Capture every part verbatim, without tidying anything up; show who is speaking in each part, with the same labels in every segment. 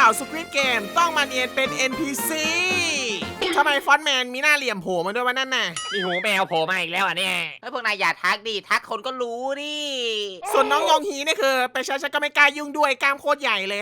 Speaker 1: าวสควิดเกมต้องมาเนียนเป็น เอ็น พี ซี ทำไมฟอนต์แมนมีหน้าเหลี่ยมโผล่มาด้วยวะนั่นน่ะ
Speaker 2: มีหูแมวโผล่มาอีกแล้วอ่ะเนี่ย
Speaker 3: เฮ้ยพวกนายอย่าทักดิทักคนก็รู้ดิ
Speaker 1: ส่วนน้องยองฮีนี่คือไปใช้ฉันก็ไม่กล้ายุ่งด้วยกล้ามโคตรใหญ่เลย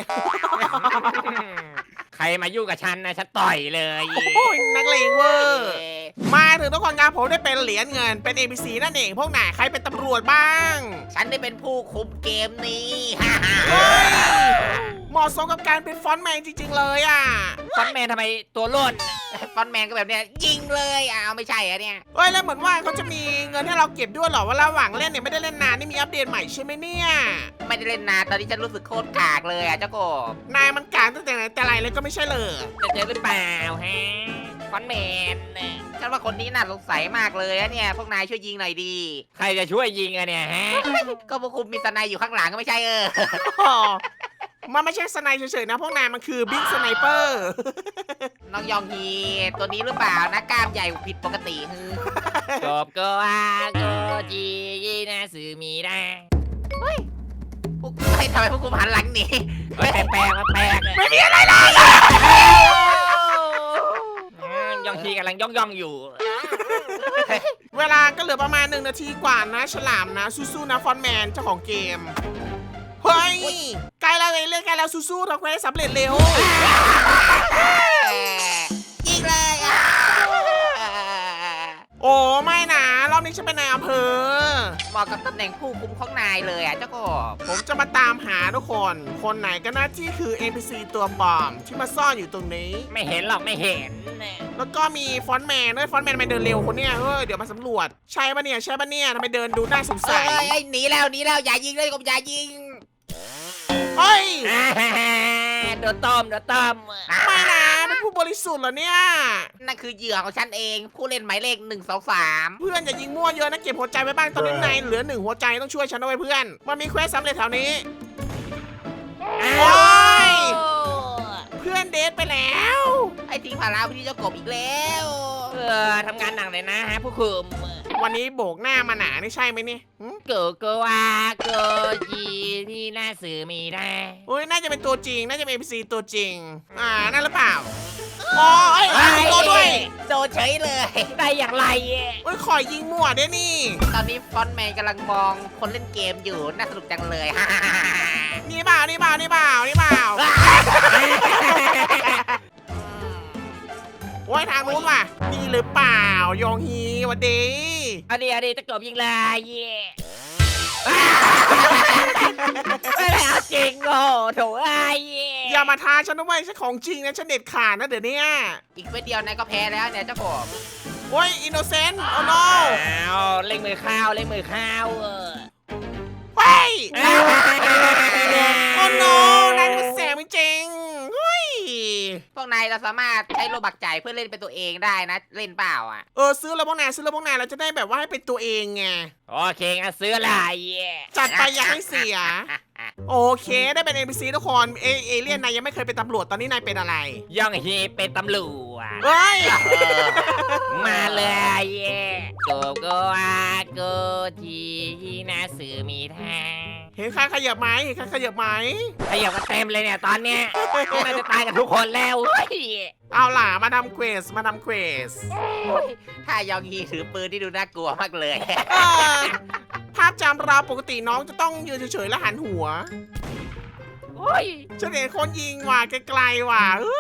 Speaker 2: ใครมายุ่งกับฉันนะฉันต่อยเลย
Speaker 1: โอ้ยนักเลงเวอร์ มาถึงทุกคนครับผมได้เป็นเหรียญเงินเป็น เอ็น พี ซี นั่นเองพวกไหนใครเป็นตำรวจบ้าง
Speaker 3: ฉันได้เป็นผู้คุมเกมนี้
Speaker 1: เฮ้ยเหมาะสมกับการเป็นฟอนต์แมนจริงๆเลยอ่ะ
Speaker 2: ฟอนต์แมนทำไมตัวร่น
Speaker 3: ฟอนต์แมนก็แบบเนี้ยยิงเลยอ้าวไม่ใช่อะเนี่ย
Speaker 1: เฮ้ยแล้วเหมือนว่าเขาจะมีเงินให้เราเก็บด้วยเหรอว่าระหว่างเล่นเนี่ยไม่ได้เล่นนานนี่มีอัปเดตใหม่ใช่ไหมเนี่ย
Speaker 3: ไม่ได้เล่นนานตอนนี้ฉันรู้สึกโคตรกากเลยอ่ะเจ้ากบ
Speaker 1: นายมันกลางตั้งแต่ไหนแต่ไรเลยก็ไม่ใช่เลย
Speaker 2: จะเจอหรือเปล่าฮะฟอนต์แมน
Speaker 3: ฉันว่าคนนี้น่าสงสัยมากเลยอะเนี่ยพวกนายช่วยยิงหน่อยดี
Speaker 2: ใครจะช่วยยิงอะเนี่ยฮะ
Speaker 3: ก็พวกคุณมีสไนอยู่ข้างหลังก็ไม่ใช่เออ
Speaker 1: อ๋อมันไม่ใช่สไนเฉยๆนะพวกนายมันคือบิ๊กสไนเปอร์
Speaker 3: น้องยองฮีตัวนี้หรือเปล่านะกล้ามใหญ่ผิดปกติฮือก
Speaker 2: บก็อาโกจีนะสือมีได้
Speaker 3: พวกเฮ้ยทำไมพวกคุณหันหลังหนี
Speaker 2: เฮ้ยแปลกๆมาแปลก
Speaker 1: ไม่มีอะไรเลย
Speaker 2: อืมย่องทีกำลังย่องย่องๆอยู่
Speaker 1: เวลาก็เหลือประมาณหนึ่งนาทีกว่านะฉลามนะสู้ๆนะฟอนต์แมนเจ้าของเกมเฮ้ยใกล้แล้วเลยเล่นใกล้แล้วสู้ๆทำเควสสำเร็จเร็ว
Speaker 3: ยิงเลยอ่ะ
Speaker 1: โอ้ไม่นะรอบนี้ฉันเป็นนายอำเภอ
Speaker 3: เหมาะกับตำแหน่งผู้คุมของนายเลยอ่ะเจ้ากบ
Speaker 1: ผมจะมาตามหาทุกคน คนไหนก็น่าที่คือ เอ็น พี ซี ตัวปลอมที่มาซ่อนอยู่ตรงนี้
Speaker 2: ไม่เห็นหรอกไม่เห็น
Speaker 1: แล้วก็มีฟอนต์แมนด้วยฟอนต์แมนทำไมเดินเร็วคนเนี้ยเฮ้ยเดี๋ยวมาสำรวจใช่ปะเนี่ยใช่ปะเนี่ยทำไมเดินดูน่าสง
Speaker 3: เอ้
Speaker 1: สัย
Speaker 3: ยเอ้ยหนีแล้วหนีแล้วอย่ายิงเลยกบอย่ายิง
Speaker 1: เฮ้ย
Speaker 2: โดนต้มโดนต้ม
Speaker 1: ไม่นะเป็นผู้บริสุทธิ์เหรอเนี่ย
Speaker 3: นั่นคือเหยื่อของฉันเองผู้เล่นหมายเลขหนึ่งสองสาม
Speaker 1: เพื่อนอย่ายิงมั่วเยอะนะเก็บหัวใจไว้บ้างตอนนี้นายเหลือหนึ่งหัวใจต้องช่วยฉันด้วยเพื่อนมันมีเควสสำเร็จแถวนี้ โอ๊ย เพื่อนเดทไปแล้ว
Speaker 3: ไอ้ทิ้งภาระพี่เจ้ากบอีกแล้ว
Speaker 2: เออทำงานหนักเลยนะฮะผู้คุม
Speaker 1: วันนี้โบกหน้ามาหนานี่ใช่ไหมเนี่ยหึ
Speaker 2: โกโกวาโกจีที่หน้าสื่อมีได้
Speaker 1: โอ้ยน่าจะเป็นตัวจริงน่าจะเป็น เอ็น พี ซี ตัวจริงอ่านั่นหรือเปล่าโอ้ยตัวด้วย
Speaker 3: โดนเฉยเลย
Speaker 2: ได้อย่างไร
Speaker 1: โอ้ยขอยิงมั่วด้วยนี่
Speaker 3: ตอนนี้ฟอนต์แมนกำลังมองคนเล่นเกมอยู่น่าสนุกจังเลย
Speaker 1: นี่เปล่านี่เปล่านี่เปล่านี่เปล่าโอ้ยทางนู้นว่ะนี่หรือเปล่ายองฮีหวันดี
Speaker 2: เอาดีเอาดีตะกบยิงเลยไม่ได้เอาจริงโง่โถไอ้
Speaker 1: อย่ามาท้าฉันด้วยฉันของจริงนะฉันเด็ดขาดนะเดี๋ยวนี้
Speaker 3: อีกเม็ดเดียวนายก็แพ้แล้วเนี่ยเจ้ากบ
Speaker 1: โอ้ยอินโนเซนต์โอ้โน
Speaker 2: อ้าวเล่งมือข้าวเล่งมือข้าวเออ
Speaker 1: เฮ้ยโอ้โนนายมันแสบจริงๆเฮ้ย
Speaker 3: พวกนายเราสามารถใช้โลบักจ่ายเพื่อเล่นเป็นตัวเองได้นะเล่นเปล่าอ่ะ
Speaker 1: เออซื้อแล้วพวกนายซื้อแล้วพวกนายเราจะได้แบบว่าให้เป็นตัวเองไง
Speaker 2: โอเคงั้นซื้ออะไร
Speaker 1: จัดไปอย่าให้เสีย โอเคได้เป็น เอ็น พี ซี ทุกคนเอเอเลี่ยนนายยังไม่เคยเป็นตำรวจตอนนี้นายเป็นอะไร
Speaker 2: ย่องฮีเป็นตำรวจ
Speaker 1: เฮ้ย
Speaker 2: มาเลยโกโกอาโกจีที่หน้าสื่อมีทาง
Speaker 1: เห็นข้าขยับไหมเห็นข้าขยับไหม
Speaker 2: ขยับกันเต็มเลยเนี่ยตอนเนี้ยน่าจะตายกันทุกคนแล้วเฮ้ย
Speaker 1: เอาล่ะมาทำเควสมาทำเควส
Speaker 3: ถ้ายองฮีถือปืนที่ดูน่ากลัวมากเลย
Speaker 1: เออภาพจำเราปกติน้องจะต้องยืนเฉยๆแล้วหันหัว
Speaker 2: โอ้ย
Speaker 1: ฉันเห็นคนยิงว่ะไกลๆว่ะอู้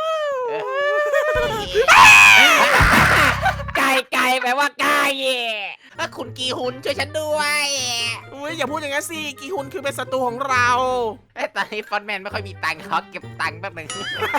Speaker 2: ไก่ไก่แปลว่าไก่
Speaker 3: ถ้าคุณกีฮุนช่วยฉันด้วย
Speaker 1: อุ้ยอย่าพูดอย่างนั้นสิกีฮุนคือเป็นศัตรูของเรา
Speaker 3: เอ้ยตอนนี้ฟอนต์แมนไม่ค่อยมีตังค์เขาเก็บตังค์แป๊บหนึง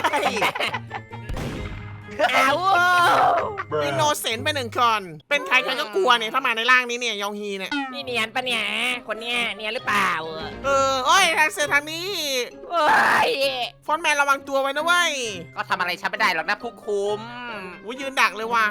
Speaker 2: อ้าว
Speaker 1: อินโนเซนต์ไปหนึ่งคนเป็นใครใครก็กลัวเนี่ยถ้ามาในร่างนี้เนี่ยยองฮีเนี่ย
Speaker 2: นี่เนียนปะเนี่ยคนเนี้ยเนียนหรือเปล่า
Speaker 1: เออโอ้ยทางเสือทางนี้
Speaker 2: โอ้ย
Speaker 1: ฟอนต์แมนระวังตัวไว้นะเว้ย
Speaker 3: ก็ทำอะไรฉันไม่ได้หรอกนะผู้คุม
Speaker 1: อุ้ยยืนดักเลยว่ะ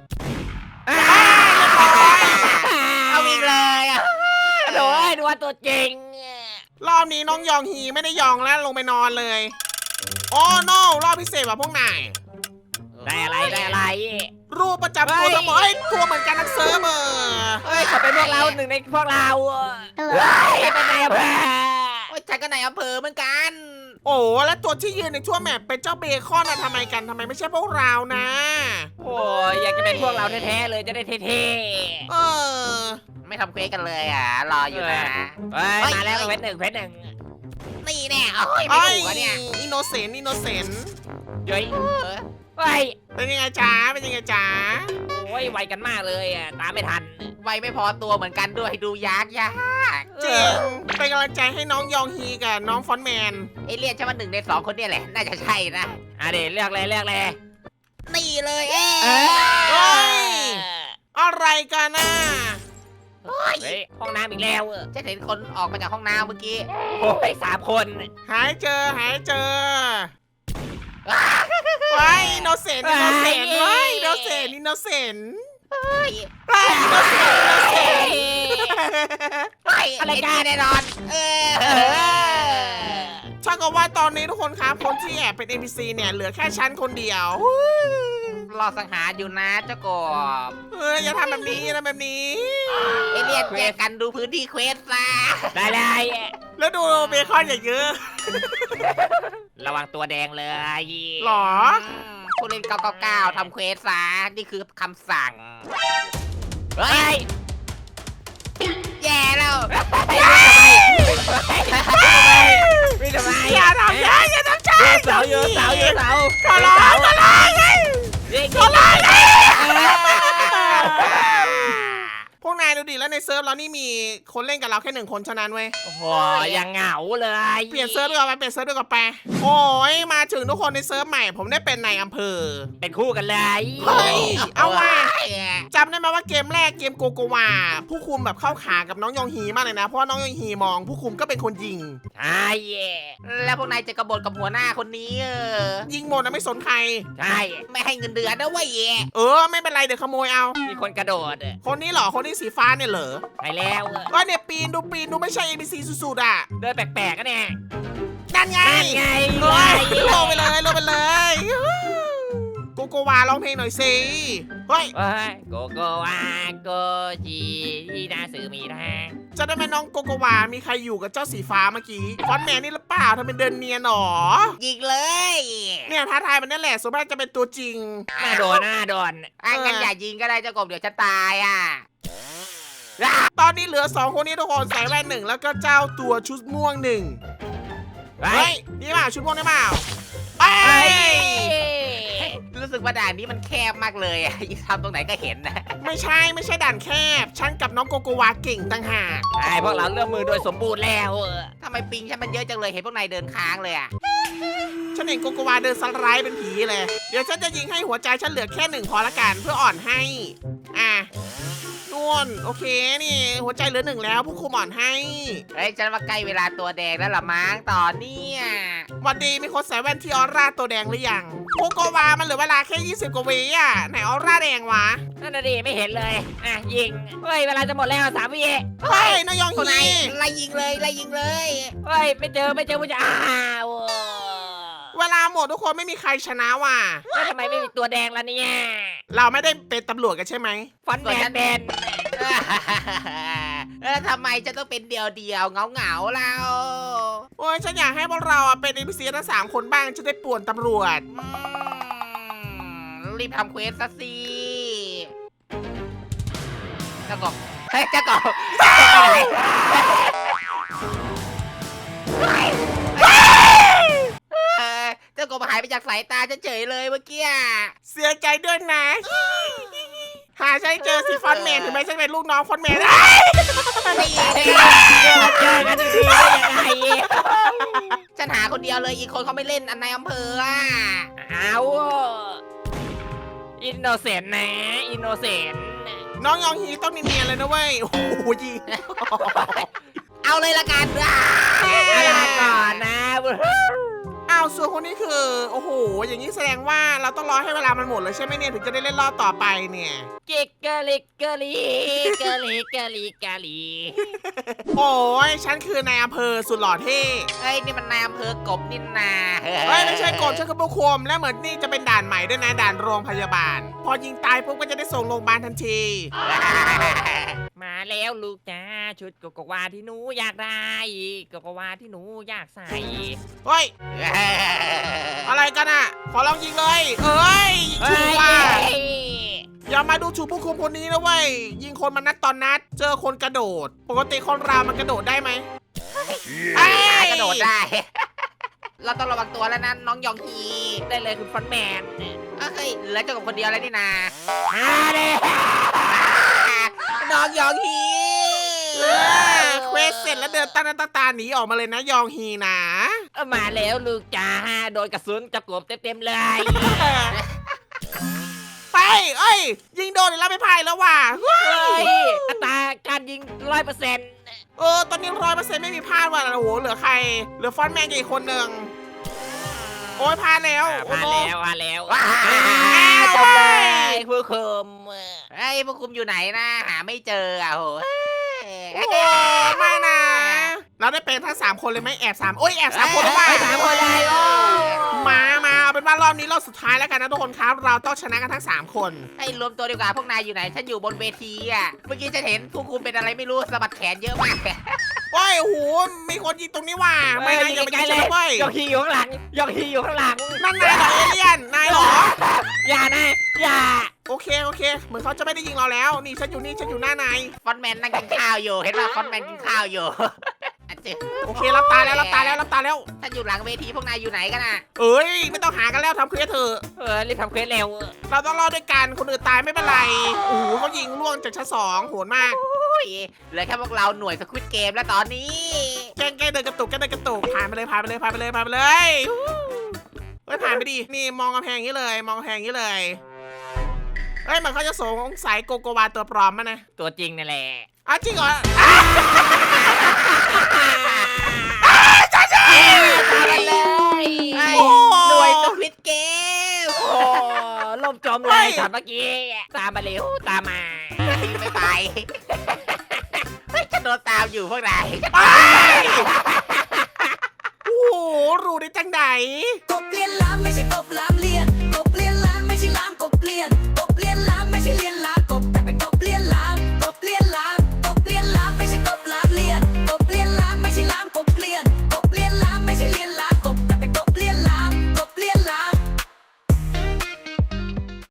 Speaker 3: เอาอีกเลยอ่ะ
Speaker 2: โดยดูว่าตัวจริง
Speaker 1: รอบนี้น้องยองฮีไม่ได้ยองแล้วลงไปนอนเลยโอ้โนรอบพิเศษว่ะพวกนาย
Speaker 2: ได้อะไรได้อะไร
Speaker 1: รูปประจำตัวทั้งหมดเอ้ยตัวเหมือนกันทั้งเซิร์ฟเวอร์
Speaker 2: เฮ้ยเขาเป็นพวกเราหนึ่งในพวกเราเฮ้ยเป็นไงเพื่อน
Speaker 3: โอ้ยฉันก็ในอำเภอเหมือนกัน
Speaker 1: โอ้แล้วตัวที่ยืนในทั่วแมปเป็นเจ้าเบคอนอะทำไมกันทำไมไม่ใช่พวกเรานะ
Speaker 2: โอ้ยอยากจะเป็นพวกเราแท้ๆเลยจะได้เท่
Speaker 1: เออ
Speaker 3: ไม่ทำเควสกันเลยอ่ะ รออยู่นะ
Speaker 2: ๆเฮ้ยมาแล้วเพชรหนึ่งเพชรหนึ่ง
Speaker 3: นี่แน่โอ้ยไม่
Speaker 1: ไอ้
Speaker 3: ถูกอะเนี่ย
Speaker 1: อินโนเซนต์อินโนเซนต์
Speaker 2: เฮ้ย
Speaker 3: เออ
Speaker 2: เฮ้ย
Speaker 1: เป็นยังไงจ๊ะเป็นยังไงจ๊ะ
Speaker 2: โอ้ยไวกันมากเลยอ่ะตามไม่ทัน
Speaker 3: ไวไม่พอตัวเหมือนกันด้วยดูยากยาก
Speaker 1: จริงเป็นกำลังใจให้น้องยองฮีกับน้องฟอนต์แมน
Speaker 3: เอเลี่ยนใช่ไหมหนึ่งในสองคนเนี่ยแหละ น่าจะใช่นะ
Speaker 2: อ่ะเดี๋ยวเลือกเลยเลือกเลย
Speaker 3: นี่เลยเอ๊
Speaker 2: เอ้
Speaker 1: เฮ้
Speaker 3: ะ
Speaker 1: ย อะไรกันน่ะ
Speaker 3: เฮ้ย
Speaker 2: เฮ้ยห้องน้ำอีกแล้วเออ
Speaker 3: ฉันเห็นคนออกมาจากห้องน้ำเมื่อกี้
Speaker 2: โอ้ยสามคน
Speaker 1: หายเจอหายเจอไว้อินโนเซนต์อินโนเซนต์ไว้อินโนเซนต์อินโนเซนต์
Speaker 3: เฮ้ย
Speaker 1: ไว้อินโนเซนต์อินโนเซนต์
Speaker 3: เฮ้ยอะไรกันแน่นอน เออ
Speaker 1: ถ้ากับว่าตอนนี้ทุกคนครับคนที่แอบเป็น เอ็น พี ซี เนี่ยเหลือแค่ฉันคนเดียว
Speaker 3: รอสังหารอยู่นะเจ้ากบ
Speaker 1: เอออย่าทำแบบนี้อย่าทำแบบนี้
Speaker 3: เอเลี่ยนแยกกันดูพื้นที่เควสซะ
Speaker 2: ได้เลย
Speaker 1: แล้วดูเบคอนอย่างเยอะ
Speaker 2: ระวังตัวแดงเลย
Speaker 1: หรอ
Speaker 3: มผู้เล่นเก้าเก้าเก้าทำเควสซะนี่คือคำสั่ง เฮ้
Speaker 2: เฮ้
Speaker 3: ย
Speaker 2: ย
Speaker 3: แย่แล้ว
Speaker 2: ไม่ทำไม
Speaker 1: อย่าทำฉันอย่าทำฉัน
Speaker 2: เสาอยู่เสาอยู่เสา
Speaker 1: ขอร้องขอร้องไง
Speaker 2: ยิง
Speaker 1: ขอร้องไง
Speaker 2: เ
Speaker 1: พวกนายดูดิแล้วในเซิร์ฟเรานี่มีคนเล่นกับเราแค่หนึ่งคนเท่านั้นเว้ย
Speaker 2: โอ้โหยังเหงาเลย
Speaker 1: เปลี่ยนเซิร์ฟดีกว่าไปเปลี่ยนเซิร์ฟดีกว่าไปโอ้ยมาถึงทุกคนในเซิร์ฟใหม่ผมได้เป็นนายอำเภอ
Speaker 2: เป็นคู่กันเลย
Speaker 1: เฮ้ยเอาว่ะ
Speaker 3: เฮ้ย
Speaker 1: จำได้ไหมว่าเกมแรกเกมโกโกวาผู้คุมแบบเข้าขากับน้องยองฮีมากเลยนะเพราะว่าน้องยองฮีมอง ผู้คุมก็เป็นคนยิง
Speaker 2: ใช่
Speaker 3: แล้วพวกนายจะกบฏกับหัวหน้าคนนี้เออ
Speaker 1: ยิงหมดนะไม่สนใคร
Speaker 2: ใช่
Speaker 3: ไม่ให้เงินเดือนนะเว้ย
Speaker 1: เออไม่เป็นไรเดี๋ยวขโมยเอา
Speaker 2: มีคนกระโดด
Speaker 1: คนนี้เหรอคนที่สีฟ้าเนี่ยเหรอ
Speaker 2: ไปแล้ว
Speaker 1: ก็เนี่ยปีนดูปีนดูไม่ใช่ เอ บี ซี สุดๆอ่ะ
Speaker 2: เดินแปลกๆกันเนี่ย
Speaker 1: นั่นไง
Speaker 2: นั่นไง
Speaker 1: เฮ้ยลงไปเลยลงไปเลยโกโกวาร้องเพลงหน่อยสิเฮ้ย
Speaker 2: เฮ้ยโกโกวาโกจีที่นาสือมีทาง
Speaker 1: จะได้ไหมน้องโกโกวามีใครอยู่กับเจ้าสีฟ้าเมื่อกี้ฟอนต์แมนนี่หรือเปล่าทำเป็นเดินเนียนหรอ
Speaker 3: ยิงเลย
Speaker 1: เนี่ยท้าทายมันนั่นแหละส่วนมากจะเป็นตัวจริง
Speaker 2: หน้าโดนหน้าโดน
Speaker 3: อ่ะงั้นอย่ายิงก็ได้เจ้ากบเดี๋ยวฉันตายอ่ะ
Speaker 1: ตอนนี้เหลือสองคนนี้ทุกคนใส่แว่นหนึ่งแล้วก็เจ้าตัวชุดม่วงหนึ่ง
Speaker 2: ไป
Speaker 1: เฮ้ยนี่เปล่าชุดม่วงได้เปล่าเอ้
Speaker 2: เฮ้
Speaker 1: ย
Speaker 2: ย
Speaker 3: รู้สึกว่าด่านนี้มันแคบมากเลยอ่ะ ทำตรงไหนก็เห็นนะ
Speaker 1: ไม่ใช่ไม่ใช่ด่านแคบฉันกับน้องโกโกวาเก่งต่างหาก
Speaker 2: ไอ้พวกเราเริ่มมือโดยสมบูรณ์แล้ว
Speaker 3: ทำไมปิงฉันมันเยอะจังเลยเห็นพวกนายเดินค้างเลยอ่ะ
Speaker 1: ฉันเห็นโกโกวาเดินสไลด์เป็นผีเลยเดี๋ยวฉันจะยิงให้หัวใจฉันเหลือแค่หนึ่งพอละกันเพื่ออ่อนให้อ่ะนวลโอเคนี่หัวใจเหลือหนึ่งแล้วผู้คุมอ่อนให้
Speaker 3: เฮ้ยฉันว่าใกล้เวลาตัวแดงแล้วล่ะมั้งต่อเนี่ย
Speaker 1: วันดีมีคนใส่แว่นที่ออร่าตัวแดงหรือยังโกโกวามันเหลือเวลาแค่ยี่สิบกว่าวิอ่ะไหนออร่าแดงวะ
Speaker 2: นั่นน่ะดิไม่เห็นเลย อ่ะยิง เฮ้ยเวลาจะหมดแล้วสามวิ
Speaker 1: เฮ้ยนายยอง
Speaker 3: พวกนา
Speaker 1: ฮี
Speaker 3: ยไล่ยิงเลยไล่ยิงเลย
Speaker 2: เฮ้ยไม่เจอไม่เจอผู้ชายอ้าว
Speaker 1: เวลาหมดทุกคนไม่มีใครชนะว่ะ
Speaker 2: แล้วทำไมไม่มีตัวแดงล่ะเนี่ย
Speaker 1: เราไม่ได้เป็นตำรวจกันใช่ไหม
Speaker 2: ฟอนต์แมนเป็น
Speaker 3: เออทำไมจะต้องเป็นเดียวเดียวเงาเงาๆเรา
Speaker 1: โอ้ยฉันอยากให้พวกเราอะเป็น เอ็น พี ซี ทั้งสามคนบ้างจะได้ป่วนตำรวจ
Speaker 3: อืมรีบทำเควสซะสิเจ้ากบเฮ้ยเจ้ากบเออเจ้ากบหายไปจากสายตาฉันเฉยเลยเมื่อกี้
Speaker 1: เสียใจด้วยนะ หาฉันเจอสิฟอนต์แมนถึงแม้ฉันเป็นลูกน้องฟอนต์แมน
Speaker 3: นี่
Speaker 2: เจอกันทีได้ยังไง
Speaker 3: ฉันหาคนเดียวเลยอีกคนเขาไม่เล่นอันในอำเภออ่ะ
Speaker 2: เอาอินโนเซนต์นะอินโนเซนต์
Speaker 1: น้องยองฮีต้องเนียนๆเลยนะเว้ย โอ้โหยิง
Speaker 3: เอาเลยละกันอ่ะ
Speaker 2: ลาก่อนนะ
Speaker 1: อ้าวส่วนคนนี้คือ โอ้โห อย่างนี้แสดงว่าเราต้องรอให้เวลามันหมดเลยใช่ไหมเนี่ยถึงจะได้เล่นรอบต่อไปเนี่ย
Speaker 2: กิกกะลิกกะลีกะลีกะลีกะลี
Speaker 1: โอ้ยฉันคือนายอำเภอสุดหล่อเท่
Speaker 3: เอ้ยนี่มันนายอำเภอกบนินนา
Speaker 1: เฮ้ยไม่ใช่กบฉันคือผู้คุมและเหมือนนี่จะเป็นด่านใหม่ด้วยนะด่านโรงพยาบาล พอยิงตายปุ๊บก็จะได้ส่งโรงพยาบาลทันที
Speaker 2: มาแล้วลูกจ้าชุดโกโกวาที่หนูอยากได้โกโกวาที่หนูอยากใส่
Speaker 1: เฮ้ยอะไรกันอ่ะขอลองยิงเลยเอ้ยยิงถูกว่ะอย่ามาดูถูกผู้คุมคนนี้นะเว้ยยิงคนมานัดตอนนัดเจอคนกระโดด ปกติคนเรามันกระโดดได้ไหม
Speaker 3: ไอ้กระโดดได้ เราต้องระวังตัวแล้วนะน้องยองฮี
Speaker 2: ได้เลยคุณฟอนแมน
Speaker 3: เฮ้ยเหลือเจ้ากับคนเดียวแล้วนี่นา
Speaker 2: มาเลย
Speaker 3: น้องยองฮี
Speaker 1: เออเควสเสร็จแล้วเดินตาหน้าตาตาหนีออกมาเลยนะยองฮีนะ
Speaker 2: มาแล้วลูกจ้าโดนกระสุนจะกบเต็มๆเลย
Speaker 1: ไปเอ้ยยิงโดนแล้วไม่พายแล้วว่ะเฮ้
Speaker 2: เฮ้
Speaker 1: ย
Speaker 2: ยอัตราการยิงร้อยเปอร์เซ็นต์
Speaker 1: เออตอนนี้ร้อยเปอร์เซ็นต์ไม่มีพลาดว่ะโอ้โหเหลือใครเหลือฟอนต์แมนกับอีกคนหนึ่งโอ้ยพลาดแล้วโอ้
Speaker 2: มา
Speaker 1: โห
Speaker 2: แล้วมาแล้ว
Speaker 3: ว้า
Speaker 2: จบเลยผู้คุม
Speaker 3: ไอ้พวกคุมอยู่ไหนนะหาไม่เจออ่ะโห
Speaker 1: โอ้โหไม่นะเราได้เป็นทั้งสามคนเลยไหมแอบสามโอ้ยแอบสามคนเลยว่ะ
Speaker 2: ไปสามคนเลยโอ้
Speaker 1: มามาเอาเป็นว่ารอบนี้รอบสุดท้ายแล้วกันนะทุกคนครับเราต้องชนะกันทั้งสามคน
Speaker 3: ให้รวมตัวดีกว่าพวกนายอยู่ไหนฉันอยู่บนเวทีอ่ะเมื่อกี้ฉันเห็นผู้คุมเป็นอะไรไม่รู้สะบัดแขนเยอะมาก
Speaker 1: โอ้ยโอ้โหมีคนยิงตรงนี้ว่ะไม่นะอย่าไปยิงฉันนะเว้ย
Speaker 2: ยกฮีอยู่ข้างหลังยกฮีอยู่ข้างหลัง
Speaker 1: นั่นนายเหรอเอเลี่ยนนายเหรอ
Speaker 2: อย่านะอย่า
Speaker 1: โอเคโอเคเหมือนเขาจะไม่ได้ยิงเราแล้วนี่ฉันอยู่นี่ฉันอยู่หน้านาย
Speaker 3: ฟอนต์แมนนั่งกินข้าวอยู่เห็นป่ะฟอนต์แมนกินข้าวอยู่อ่ะเจ๊
Speaker 1: โอเครับตาแล้วรับตาแล้วรับตาแล้ว
Speaker 3: ฉันอยู่หลังเวทีพวกนายอยู่ไหนกันอ่ะ
Speaker 1: เอ้ยไม่ต้องหากันแล้วทำเคลียร์เถอะ
Speaker 2: เออรีบทำเควสเร็ว
Speaker 1: เราต้องรอดด้วยกันคนอื่นตายไม่เป็นไรโอ้โหเขายิงล่วงจากชั้นสองโหดมาก
Speaker 3: โอ้ยเหลือแค่พวกเราหน่วยสควิตเกมแล้วตอนนี้
Speaker 1: แกล้งแกล้งเดินกระตุกแกล้งเดินกระตุกผ่านไปเลยผ่านไปเลยผ่านไปเลยผ่านไปเลยเฮ้ยผ่านไปดินี่มองกำแพงอย่างนี้เลย มองกำแพงอย่างนี้เลยเฮ้ยมันเขาจะสงสัยโกโกวาตัวปลอมมั้ยนะ
Speaker 2: ตัวจริงนั่นแหละ
Speaker 1: อ้าวจริงเหรอ
Speaker 2: ตามมาเลย
Speaker 3: ไอ้หน่วยสควิตเกม
Speaker 2: โอ้ล่มจมเลยตอนเมื่อกี้ตามมาเร็วตามมา
Speaker 3: ไม่ไปเฮ้ยฉันโดนตามอยู่พวกนาย
Speaker 1: ไปโอ้โหรู้ได้จังไหน